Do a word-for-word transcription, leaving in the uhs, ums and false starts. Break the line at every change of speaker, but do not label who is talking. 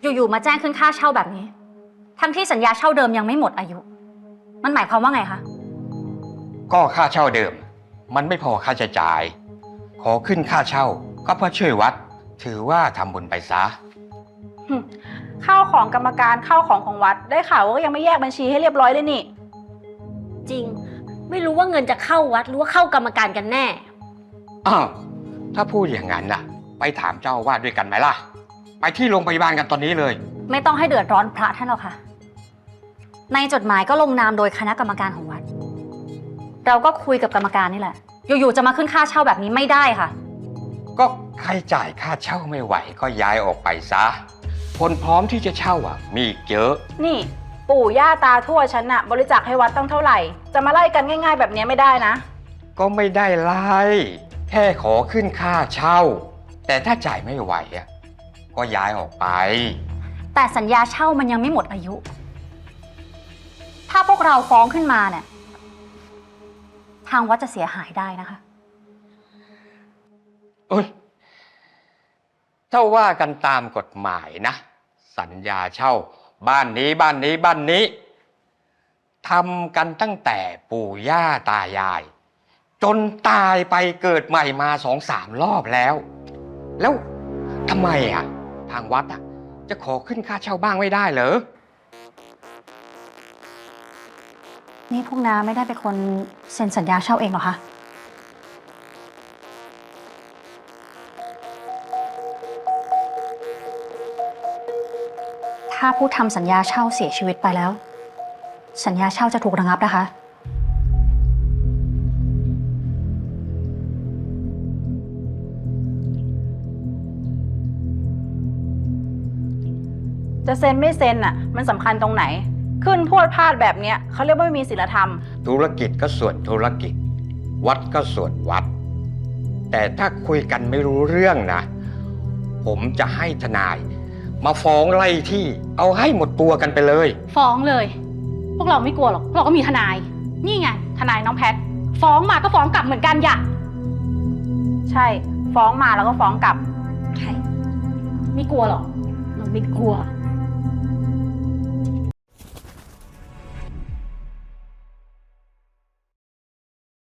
อยู่ๆมาแจ้งขึ้นค่าเช่าแบบนี้ทั้งที่สัญญาเช่าเดิมยังไม่หมดอายุ มันหมายความว่าไงคะ
ก็ค่าเช่าเดิมมันไม่พอค่าใช้จ่ายขอขึ้นค่าเช่าก็เพื่อช่วยวัดถือว่าทำบุญไปซะ
ข้าวของกรรมการข้าวของของวัดได้ข่าวว่ายังไม่แยกบัญชีให้เรียบร้อยเลยนี่
จริงไม่รู้ว่าเงินจะเข้าวัดหรือว่าเข้ากรรมการกันแน่
อ้าวถ้าพูดอย่างนั้นน่ะไปถามเจ้าอาวาสด้วยกันไหมล่ะไปที่โรงพยาบาลกันตอนนี้เลย
ไม่ต้องให้เดือดร้อนพระท่านหรอกค่ะในจดหมายก็ลงนามโดยคณะกรรมการของวัดเราก็คุยกับกรรมการนี่แหละอยู่ๆจะมาขึ้นค่าเช่าแบบนี้ไม่ได้ค่ะ
ก็ใครจ่ายค่าเช่าไม่ไหวก็ย้ายออกไปซะคนพร้อมที่จะเช่าอ่ะมีเยอะ
นี่ปู่ย่าตาทวดฉันน่ะบริจาคให้วัดตั้งเท่าไหร่จะมาไล่กันง่ายๆแบบนี้ไม่ได้นะ
ก็ไม่ได้ไล่แค่ขอขึ้นค่าเช่าแต่ถ้าจ่ายไม่ไหวอ่ะก็ย้ายออกไป
แต่สัญญาเช่ามันยังไม่หมดอายุถ้าพวกเราฟ้องขึ้นมาเนี่ยทางวัดจะเสียหายได้นะคะ
เอ้ยถ้าว่ากันตามกฎหมายนะสัญญาเช่าบ้านนี้บ้านนี้บ้านนี้ทำกันตั้งแต่ปู่ย่าตายายจนตายไปเกิดใหม่มาสองสามรอบแล้วแล้วทำไมอ่ะทางวัดอ่ะจะขอขึ้นค่าเช่าบ้างไม่ได้เหรอ
นี่พวกน้าไม่ได้เป็นคนเซ็นสัญญาเช่าเองเหรอคะถ้าผู้ทำสัญญาเช่าเสียชีวิตไปแล้วสัญญาเช่าจะถูกระงับนะคะ
จะเซ็นไม่เซ็นอ่ะมันสำคัญตรงไหนขึ้นพวดพลาดแบบเนี้ยเขาเรียกว่าไม่มีศีลธรรม
ธุรกิจก็ส่วนธุรกิจวัดก็ส่วนวัดแต่ถ้าคุยกันไม่รู้เรื่องนะผมจะให้ทนายมาฟ้องไล่ที่เอาให้หมดตัวกันไปเลย
ฟ้องเลยพวกเราไม่กลัวหรอกพวกเราก็มีทนายนี่ไงทนายน้องแพทฟ้องมาก็ฟ้องกลับเหมือนกันอย่า
ใช่ฟ้องมาแล้วก็ฟ้องกลับ
ใช่ไม่กลัวหรอกเราไม่กลัว